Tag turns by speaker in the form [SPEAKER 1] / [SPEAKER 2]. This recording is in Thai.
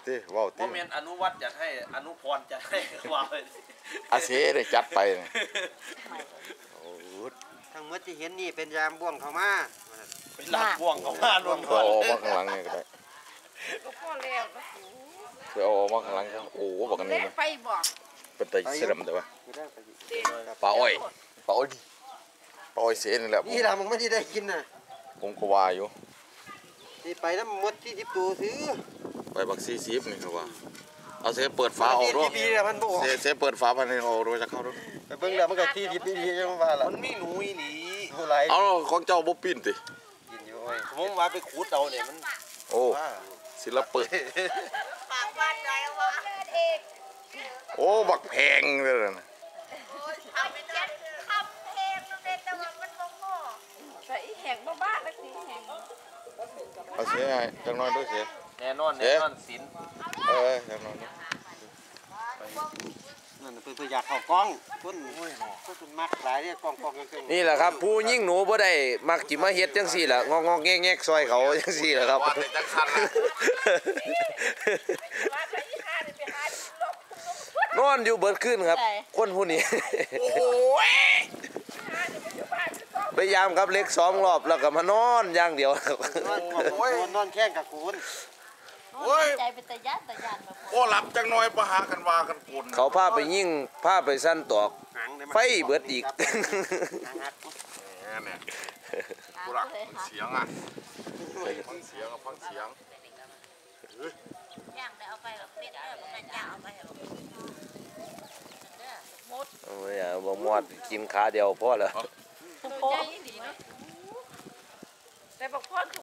[SPEAKER 1] ที่ว้าวที่
[SPEAKER 2] โมเมนต์อนุวัตจะให้อนุพรจะให้ว่าเลย
[SPEAKER 1] อาเสได้จัดไปโอ้
[SPEAKER 3] ทั้งหมดที่เห็นนี่เป็นยามบ่วงเข้ามา
[SPEAKER 2] เป็นหลักบ่วงของบ้านรวม
[SPEAKER 1] เอาออกมาข้างหลังนี่ก็ได้
[SPEAKER 4] ก็พอแล้ว
[SPEAKER 1] คือเอาออกมาข้างหลังโอ้บอกกันนี่นะ
[SPEAKER 4] ไปบอก
[SPEAKER 1] เป็นไตเสื่อมแต่ว่าปลาอ้อยปลาอ้อยปลาอ้อยเสนี่แหละ
[SPEAKER 3] นี่ล่ะมันไม่ได้กินน่ะ
[SPEAKER 1] ผมก็ว่าอยู่
[SPEAKER 3] ที่ไปน้ำมดที่10ตัวซื้อ
[SPEAKER 1] ไปบัก40นี่เขาว่าเอาเสเปิดฝาออกด้วย
[SPEAKER 3] ปีๆมันบ่ออก
[SPEAKER 1] เสเปิดฝาพันนี่ออกด้วยจะเข้าด้วย
[SPEAKER 3] ไปเบิ่งแล้วมันก็ที่10ปีๆจังว่าล่ะ
[SPEAKER 2] มันมีหนูอีหลี
[SPEAKER 3] เท่าไหร่
[SPEAKER 1] เอาของเจ้าบ่ปิ้นติ
[SPEAKER 3] กินอยู่โอ้ย
[SPEAKER 2] ผมว่าไปขูดเอาเนี่ยมัน
[SPEAKER 1] โอ้ศิลปะ
[SPEAKER 4] ปากบ้านใจว่าเอง
[SPEAKER 1] โอ้บักแพงเลยนะ
[SPEAKER 4] ทำเป็นคำเพลงมันเป็นแต่ว่ามันบ่งอใส่แหงบ้าๆแล้วสิแหง
[SPEAKER 1] เอาเสียไงจังน้อยด้วยเสีย
[SPEAKER 2] แน่นอนสิน
[SPEAKER 1] จังน้อยด้วย
[SPEAKER 3] นั่นเพิ่นอยากเข้ากล้องคนมักหลายเนี่ยกล้องๆกันๆ
[SPEAKER 5] นี่แหละครับผู้ยิ่งหนูบ่ได้มักจิมาเฮ็ดจังซี่ล่ะงอกๆแงกๆซอยเขาจังซี่ล่ะครับ
[SPEAKER 1] ว่าแต่จังคันละ
[SPEAKER 4] ว่าไปอีหานี่ไปหาลบ
[SPEAKER 5] นอนอยู่เบิดคืนครับ คนผู้นี้
[SPEAKER 1] โอ้ย
[SPEAKER 5] พยายามครับเล็ก2 รอบแล้วก็มานอนอย่างเดียวครับ
[SPEAKER 3] นอนแข้งกับคุณ
[SPEAKER 1] โอ้ย
[SPEAKER 4] ใจเป็นตะยันแบบ
[SPEAKER 1] โอ้หลับจังน้อยปะหากันว่ากันปุ่น
[SPEAKER 5] เขาพาไปยิ่งพาไปสั้นตอกไฟเบิดอีก
[SPEAKER 1] เนี่ยกูรักเสียงอ่ะฟังเสียงฟังเสียง
[SPEAKER 4] ย่างได้เอาไปแบบเป็ดมันนั่นย่างเอาไปแบบหมด
[SPEAKER 5] โอ้ยบ่มอดกินขาเดียวพอแล้ว
[SPEAKER 4] ใจดีเนาะแต่บอกพ่อ